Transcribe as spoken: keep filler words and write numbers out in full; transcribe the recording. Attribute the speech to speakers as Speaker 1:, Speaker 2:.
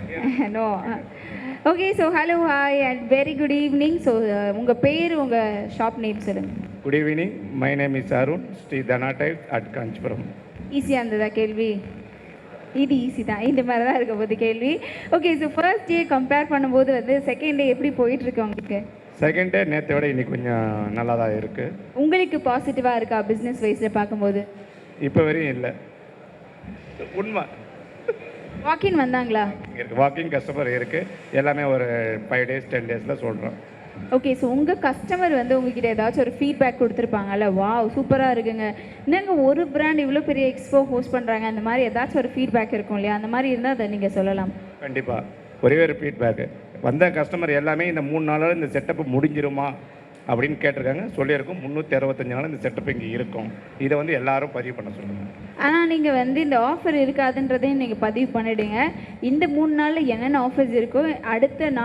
Speaker 1: No. Okay, so hello, hi and very good evening. So உங்கள் பேர், உங்கள் shop name சொல்லுங்கள்.
Speaker 2: Good evening, my name is Arun, Sri Dhana type at Kanchipuram.
Speaker 1: ஈஸியாக இருந்ததா கேள்வி? இது ஈஸி தான், இந்த மாதிரி தான் இருக்க போது கேள்வி. Okay, so first day compare பண்ணும்போது வந்து செகண்ட் டே எப்படி போயிட்டுருக்கு உங்களுக்கு?
Speaker 2: செகண்ட் டே நேற்றை விட இன்னைக்கு கொஞ்சம் நல்லா தான் இருக்குது.
Speaker 1: உங்களுக்கு பாசிட்டிவாக இருக்கா பிஸ்னஸ் வைஸில் பார்க்கும்போது?
Speaker 2: இப்போ வரையும் இல்லை, உண்மை.
Speaker 1: வாக்கின் வந்தாங்களா?
Speaker 2: இருக்குது, வாக்கிங் கஸ்டமர் இருக்குது. எல்லாமே ஒரு ஃபைவ் டேஸ் டென் டேஸில் சொல்கிறோம்.
Speaker 1: ஓகே, ஸோ உங்கள் கஸ்டமர் வந்து உங்ககிட்ட ஏதாச்சும் ஒரு ஃபீட்பேக் கொடுத்துருப்பாங்கல்ல, வாவ் சூப்பராக இருக்குங்க, என்னங்க ஒரு பிராண்ட் இவ்வளோ பெரிய எக்ஸ்போ ஹோஸ்ட் பண்ணுறாங்க, அந்த மாதிரி ஏதாச்சும் ஒரு ஃபீட்பேக் இருக்கும் இல்லையா? அந்த மாதிரி இருந்தால் அதை நீங்கள் சொல்லலாம்.
Speaker 2: கண்டிப்பாக ஒரே ஒரு ஃபீட்பேக்கு வந்த கஸ்டமர் எல்லாமே இந்த மூணு நாளில் இந்த செட்டப்பு முடிஞ்சிருமா அப்படின்னு கேட்டிருக்காங்க. சொல்லியிருக்கோம் முந்நூற்றி அறுபத்தஞ்சு நாள் இந்த செட்டப் இங்கே இருக்கும். இதை வந்து எல்லாரும் பதிவு பண்ண சொல்லுங்கள்.
Speaker 1: ஆனால் நீங்கள் வந்து இந்த ஆஃபர் இருக்காதுன்றதையும் நீங்கள் பதிவு பண்ணிவிடுங்க. இந்த மூணு நாளில் என்னென்ன ஆஃபர்ஸ் இருக்கோ அடுத்த நாள்